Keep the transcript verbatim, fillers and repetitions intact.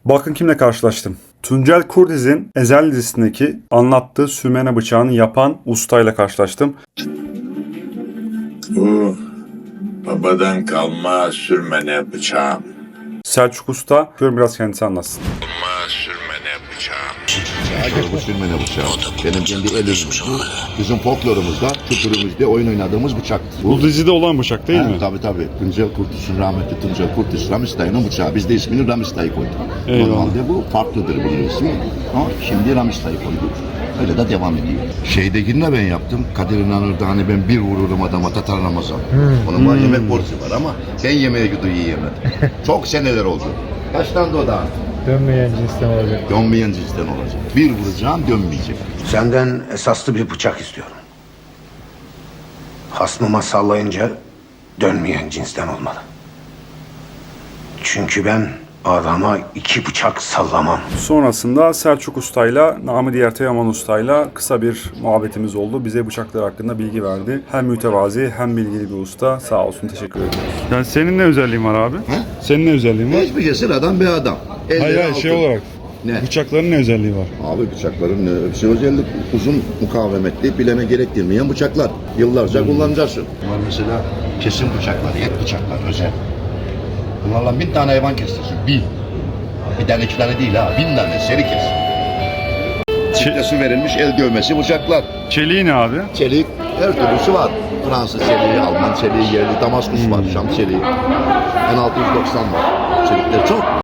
Bakın kimle karşılaştım. Tuncel Kurdiz'in Ezel dizisindeki anlattığı sürmene bıçağını yapan ustayla karşılaştım. Bu babadan kalma sürmene bıçağım. Selçuk Usta, gör biraz kendisi anlatsın. Kalma sürmene bıçağım. Bu sürmene bıçağı. Benim kendi el ürünüm. Bu bizim folklorumuzda, kültürümüzde oyun oynadığımız bıçak. Bu dizide olan bıçak değil Ha, mi? tabii tabii. Tuncel Kurtiz'in rahmetli Tuncel Kurtiz Ramiz dayının bıçağı. Biz de ismini Ramiz dayı koyduk. Eyvallah. Normalde bu farklıdır bunun ismi. Ama şimdi Ramiz dayı koyduk. Öyle de devam ediyor. Şeydekini ben yaptım. Kadir İnanır'da hani ben bir vururum adama Tatar Ramazan. Onun var yemek borcu var ama ben yemeğe gidiyor yiyemedim. Çok seneler oldu. Kaçtan da daha? Dönmeyen cinsten olacak. Dönmeyen cinsten olacak. Bir vuracağım dönmeyecek. Senden esaslı bir bıçak istiyorum. Hasmıma sallayınca dönmeyen cinsten olmalı. Çünkü ben adama iki bıçak sallamam. Sonrasında Selçuk Usta'yla, namı diğer Teoman Usta'yla kısa bir muhabbetimiz oldu. Bize bıçaklar hakkında bilgi verdi. Hem mütevazi hem bilgili bir usta. Sağ olsun, teşekkür ederim. Yani senin ne özelliğin var abi? He? Senin ne özelliğin var? Hiçbir şey sıradan bir adam. Elleri Hayır hayır altın. şey olarak. Ne? Bıçakların ne özelliği var? Abi bıçakların ne? Hepsi özellik. Uzun mukavemetli, bileme gerektirmeyen bıçaklar. Yıllarca kullanacaksın. Var mesela kesim bıçaklar, et bıçaklar özel. Bunlarla bin tane hayvan kestirsin. Bin. Bir tane iki tane değil ha. Bin tane seri kes. Çiftesi verilmiş el dövmesi bıçaklar. Çeliği ne abi? Çelik her türlüsü var. Fransız çeliği, Alman çeliği, yerli Damaskus var, Şam çeliği. bin altı yüz doksan var. Çelikler çok.